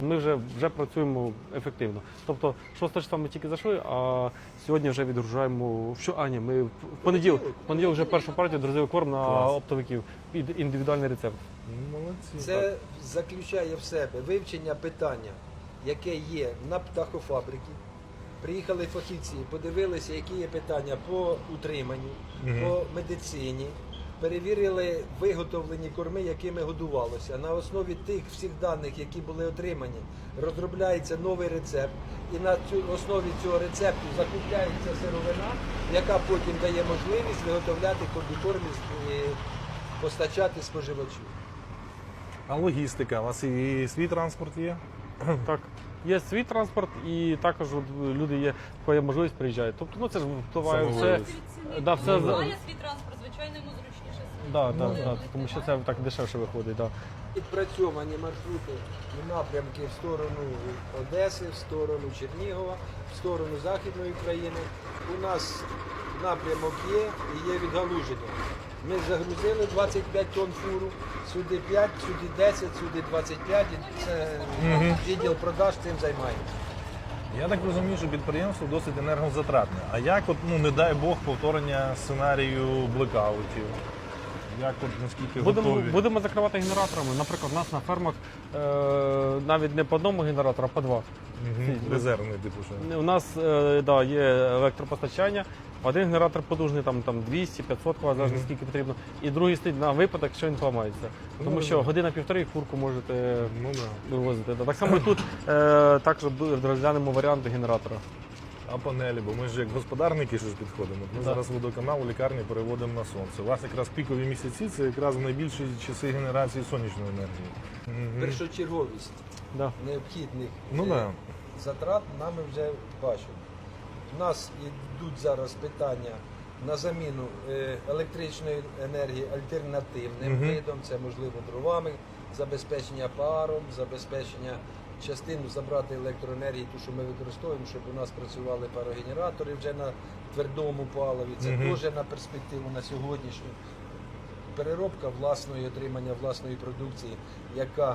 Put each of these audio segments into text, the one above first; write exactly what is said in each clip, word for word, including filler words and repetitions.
Ми вже, вже працюємо ефективно. Тобто шостого числа ми тільки зайшли, а сьогодні вже відгружаємо. Що, а, ні, ми в понеділок, в понеділок вже першу партію друзів корм на Клас. оптовиків під індивідуальний рецепт. Молодці. Це заключає в себе вивчення питання, яке є на птахофабриці. Приїхали фахівці, подивилися, які є питання по утриманню, Мгм. по медицині, перевірили виготовлені корми, якими годувалося. На основі тих всіх даних, які були отримані, розробляється новий рецепт. І на цю основі цього рецепту закупляється сировина, яка потім дає можливість виготовляти комбікорм і постачати споживачу. А логістика? У вас і свій транспорт є? Так. Є свій транспорт і також от люди є, коли є можливість приїжджають. Тобто, ну це ж впливає все. Самовивіз. Да, все за- Має свій транспорт, звичайно, йому зручніше. Да, да, да, тому що це так дешевше виходить. Да. Відпрацьовані маршрути і напрямки в сторону Одеси, в сторону Чернігова, в сторону Західної України. У нас напрямок є і є відгалуження. Ми загрузили двадцять п'ять тонн фуру, сюди п'ять, сюди десять, сюди двадцять п'ять. І це відділ продаж цим займається. Я так розумію, що підприємство досить енергозатратне. А як, от, ну не дай Бог, повторення сценарію блекаутів? Як от наскільки Будемо, готові? будемо закривати генераторами. Наприклад, у нас на фермах е, навіть не по одному генератору, а по два. Мгм. Резервний типу що? У нас е, да, є електропостачання. Один генератор потужний, там, там двісті п'ятсот кВт, залежно Мгм. скільки потрібно. І другий стоїть на випадок, якщо він поламається. Тому Ну, що да. година-півтори фурку можете Ну да. вивозити. Да. Так само і тут е, також бу- розглянемо варіанти генератора. А панелі, бо ми ж як господарники ж підходимо. Ми Да. зараз водоканал у лікарні переводимо на сонце. У вас якраз пікові місяці це якраз найбільші часи генерації сонячної енергії. Мгм. Першочерговість Да. необхідних Ну е, да. затрат нами вже бачимо. У нас йдуть зараз питання на заміну е, електричної енергії альтернативним Мгм. видом, це можливо дровами, забезпечення паром, забезпечення частину забрати електроенергії, ту, що ми використовуємо, щоб у нас працювали парогенератори вже на твердому паливі. Це Мгм. теж на перспективу на сьогоднішню. Переробка власної, отримання власної продукції, яка е,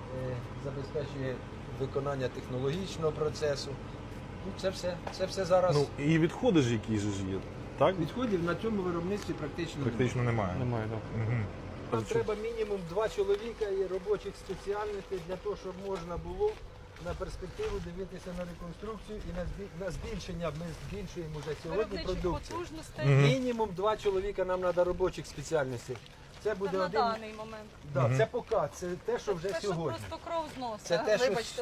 забезпечує виконання технологічного процесу. Ну, це все, це все зараз. Ну і відходи ж які ж є, так? Відходів на цьому виробництві практично, Практично немає. Немає, да. Мгм. немає. Нам треба мінімум два чоловіка і робочих спеціальностей для того, щоб можна було на перспективу дивитися на реконструкцію і на збі- на збільшення. Ми збільшуємо вже сьогодні Виробничих продукцію. потужностей. Мгм. Мінімум два чоловіка нам треба робочих спеціальностей. Це Це буде на один. даний момент. Да, Мгм. Це поки, це те, що вже Це, що сьогодні. просто кров зносить. Це те, що Вибачте.